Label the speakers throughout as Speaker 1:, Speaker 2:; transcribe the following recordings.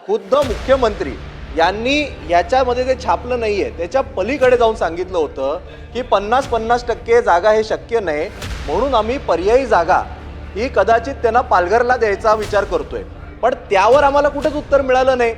Speaker 1: खुद्द मुख्यमंत्री यांनी याच्यामध्ये जे छापलं नाहीये त्याच्या पलीकडे जाऊन सांगितलं होतं की 50-50% जागा हे शक्य नाही, म्हणून आम्ही पर्यायी जागा ही कदाचित त्यांना पालघरला द्यायचा विचार करतोय. पण त्यावर आम्हाला कुठेच उत्तर मिळालं नाही.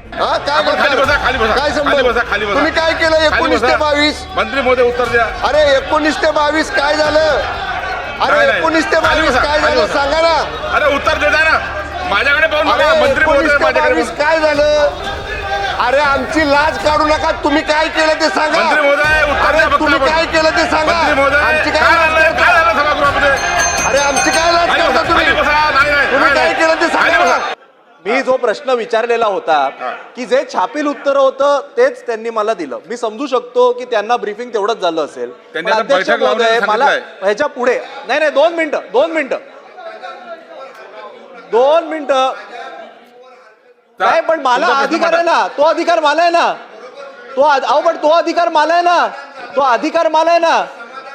Speaker 2: तुम्ही काय केलं 19 ते 22?
Speaker 3: मंत्री महोदय उत्तर द्या.
Speaker 2: अरे 19 ते 22 काय झालं? अरे 19 ते 22 काय झालं सांगा ना.
Speaker 3: अरे उत्तर देता ना माझ्याकडे पाहून.
Speaker 2: मंत्री महोदय काय झालं? अरे आमची लाज काढू नका. तुम्ही काय केलं ते सांगा.
Speaker 3: मंत्री महोदय उत्तर द्या.
Speaker 2: तुम्ही काय केलं ते सांगा. आमची काय
Speaker 3: झालं सभागृहामध्ये?
Speaker 2: अरे आमची काय लाज करता तुम्ही? तुम्ही काय केलं ते सांगा.
Speaker 1: मी जो प्रश्न विचारलेला होता की जे छापील उत्तर होतं तेच त्यांनी मला दिलं. मी समजू शकतो की त्यांना ब्रीफिंग तेवढंच झालं असेल. पण अध्यक्ष महोदय मला ह्याच्या पुढे नाही 2 मिनिटं नाही, पण मला अधिकार आहे ना. तो अधिकार मला आहे ना. पण तो अधिकार मला आहे ना. तो अधिकार मला आहे ना.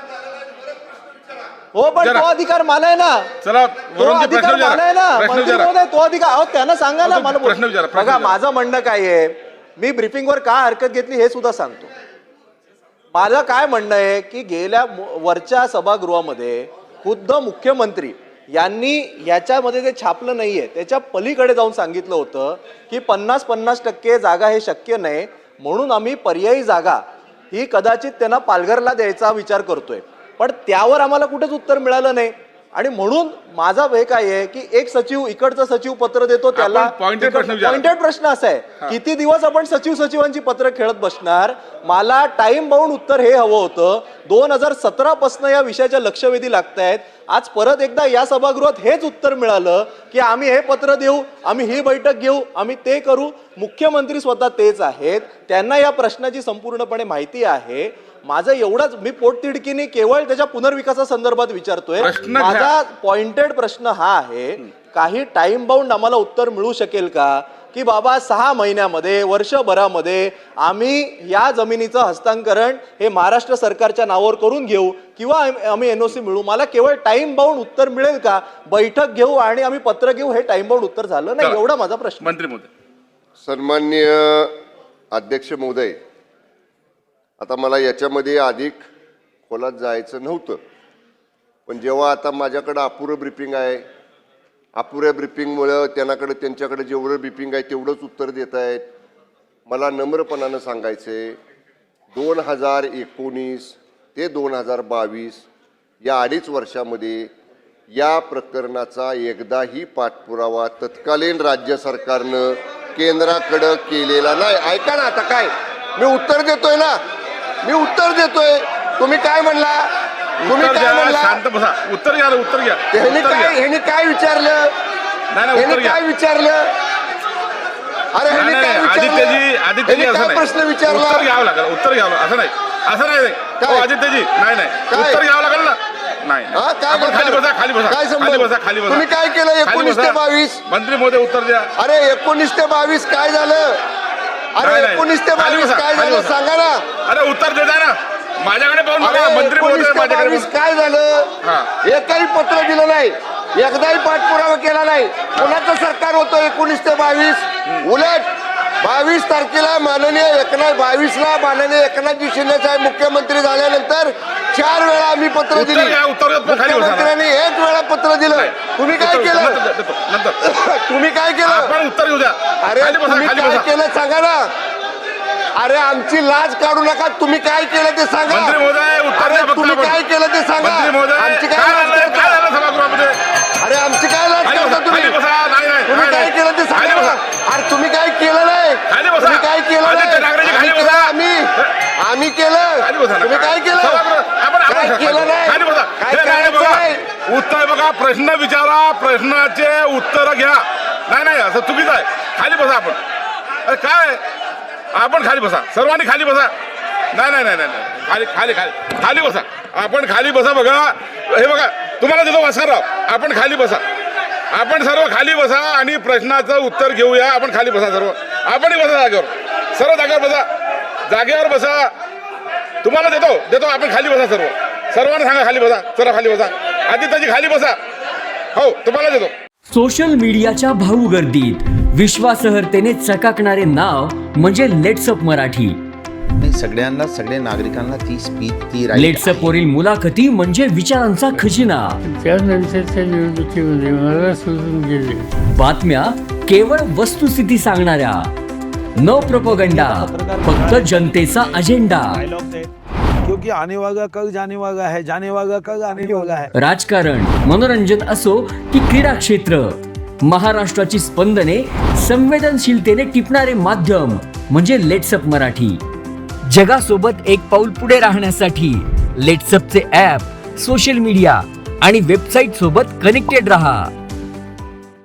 Speaker 1: हो, पण तो अधिकार मला आहे ना.
Speaker 3: चला
Speaker 1: तो अधिकार मला आहे ना. मंत्री महोदय तो अधिकार त्यांना सांगा ना. मला बघा माझं म्हणणं काय आहे, मी ब्रीफिंगवर का हरकत घेतली हे सुद्धा सांगतो. माझं काय म्हणणं आहे की गेल्या वरच्या सभागृहामध्ये खुद्द मुख्यमंत्री यांनी याच्यामध्ये जे छापलं नाहीये त्याच्या पलीकडे जाऊन सांगितलं होतं की 50-50% जागा हे शक्य नाही, म्हणून आम्ही पर्यायी जागा ही कदाचित त्यांना पालघरला द्यायचा विचार करतोय. पण त्यावर आम्हाला कुठेच उत्तर मिळालं नाही. आणि म्हणून माझा हे काय आहे की एक सचिव इकडचा सचिव पत्र देतो त्याला पॉइंटेड प्रश्न असा आहे, किती दिवस आपण सचिवांची पत्र खेळत बसणार. मला टाइम बाउंड उत्तर हे हवं होतं. 2017 पासून या विषयाच्या लक्षवेधी लागतायत. आज परत एकदा या सभागृहात हेच उत्तर मिळालं की आम्ही हे पत्र देऊ, आम्ही ही बैठक घेऊ, आम्ही ते करू. मुख्यमंत्री स्वतः तेच आहेत, त्यांना या प्रश्नाची संपूर्णपणे माहिती आहे. माझं एवढंच, मी पोटतिडकीने केवळ त्याच्या पुनर्विकासासंदर्भात विचारतोय. माझा पॉइंटेड प्रश्न हा आहे, काही टाइम बाउंड आम्हाला उत्तर मिळू शकेल का की बाबा 6 महिन्यामध्ये वर्षभरामध्ये आम्ही या जमिनीचं हस्तांतरण हे महाराष्ट्र सरकारच्या नावावर करून घेऊ किंवा आम्ही NOC मिळू. मला केवळ टाइम बाउंड उत्तर मिळेल का? बैठक घेऊ आणि आम्ही पत्र घेऊ, हे टाइम बाउंड उत्तर झालं नाही. एवढा माझा प्रश्न.
Speaker 3: मंत्री महोदय.
Speaker 2: सन्माननीय अध्यक्ष महोदय, आता मला याच्यामध्ये अधिक खोलात जायचं नव्हतं, पण जेव्हा आता माझ्याकडं अपुरं ब्रीफिंग आहे, अपुऱ्या ब्रीफिंगमुळं त्यांच्याकडे जेवढं ब्रीफिंग आहे तेवढंच उत्तर देत आहेत. मला नम्रपणानं सांगायचे, 2019 ते 2022 या 2.5 वर्षामध्ये या प्रकरणाचा एकदाही पाठपुरावा तत्कालीन राज्य सरकारनं केंद्राकडं केलेला नाही. ऐका ना, आता काय मी उत्तर देतोय ना, मी उत्तर देतोय. तुम्ही काय म्हणला? तुम्ही काय म्हणला?
Speaker 3: शांत बसा. उत्तर घ्या.
Speaker 2: ह्यानी काय विचारलं? ह्यानी काय विचारलं? अरे ह्यानी काय विचारलं?
Speaker 3: आदित्यजी
Speaker 2: काय प्रश्न विचारला?
Speaker 3: उत्तर घ्यावं लागेल. उत्तर घ्यावं. असं नाही आदित्यजी. नाही उत्तर घ्यावं लागेल ना. नाही खाली बसा.
Speaker 2: तुम्ही काय केलं 19 ते 22?
Speaker 3: मंत्री महोदय उत्तर द्या.
Speaker 2: अरे 19 ते 22 काय झालं? अरे 19 ते 22 काय झालं सांगा ना.
Speaker 3: अरे उत्तर देता ना माझ्याकडे पाहून.
Speaker 2: मंत्री महोदय काय झालं? एकही पत्र दिलं नाही, एकदाही पाठपुरावा केला नाही. कोणाचं सरकार होतं 19 ते 22? उलट 22 तारखेला माननीय एकनाथजी शिंदे साहेब मुख्यमंत्री झाल्यानंतर 4 वेळा आम्ही पत्र दिली. मुख्यमंत्र्यांनी 1 वेळा पत्र दिलं. तुम्ही काय केलं? तुम्ही काय केलं?
Speaker 3: उत्तर घेऊ द्या.
Speaker 2: अरे तुम्ही काय केलं सांगा ना. अरे आमची लाज काढू नका. तुम्ही काय केलं ते सांगा.
Speaker 3: मंत्री महोदय उत्तर द्या.
Speaker 2: तुम्ही काय केलं ते सांगा. आमची काय
Speaker 3: झालं सभागृहामध्ये?
Speaker 2: अरे आमची काय लाज करता तुम्ही? तुम्ही काय केलं ते सांगा. अरे तुम्ही काय केलं नाही. तुम्ही काय केलं नाही. आम्ही केलं. तुम्ही काय केलं? काय केलं नाही.
Speaker 3: उत्तर बघा. प्रश्न विचारा, प्रश्नाचे उत्तर घ्या. नाही असं चुकीचं आहे. खाली बसा आपण. अरे काय आपण खाली बसा. सर्वांनी खाली बसा. नाही खाली बसा. आपण खाली बसा. बघा हे बघा, तुम्हाला देतो वासरराव. आपण खाली बसा. आपण सर्व खाली बसा आणि प्रश्नाचं उत्तर घेऊया. आपण खाली बसा सर्व. आपणही बसा जागेवर. सर्व जागेवर बसा. जागेवर बसा. तुम्हाला देतो. आपण खाली बसा सर्व. सर्वांना सांगा खाली बसा. चला खाली बसा. आदित्यजी खाली बसा. हो तुम्हाला देतो.
Speaker 4: सोशल मीडियाच्या भाऊ गर्दीत विश्वासार्हतेने चकाकणारे नाव म्हणजे लेट्सअप मराठी.
Speaker 5: नाही, सगळ्यांना, सगळ्या नागरिकांना ती स्पीच, ती right
Speaker 4: लेट्सअप
Speaker 5: आहे.
Speaker 4: वरील मुलाखती म्हणजे विचारांचा खजिना.
Speaker 6: त्यानंतरच्या निवडणुकीमध्ये मला सोडून गेले.
Speaker 4: बातम्या केवळ वस्तुस्थिती सांगणाऱ्या, न प्रोपगंडा, फक्त जनतेचा अजेंडा.
Speaker 7: क्योंकि आने वाला कल जाने वाला है, जाने वाला कल आने वाला है.
Speaker 4: राजकारण, मनोरंजन असो की क्रीडा क्षेत्र, महाराष्ट्राची स्पंदने संवेदनशीलतेने टिपणारे माध्यम म्हणजे लेट्सअप मराठी. जगासोबत एक पाऊल पुढे राहण्यासाठी लेट्सअपचे ॲप, सोशल मीडिया आणि वेबसाईट सोबत कनेक्टेड रहा.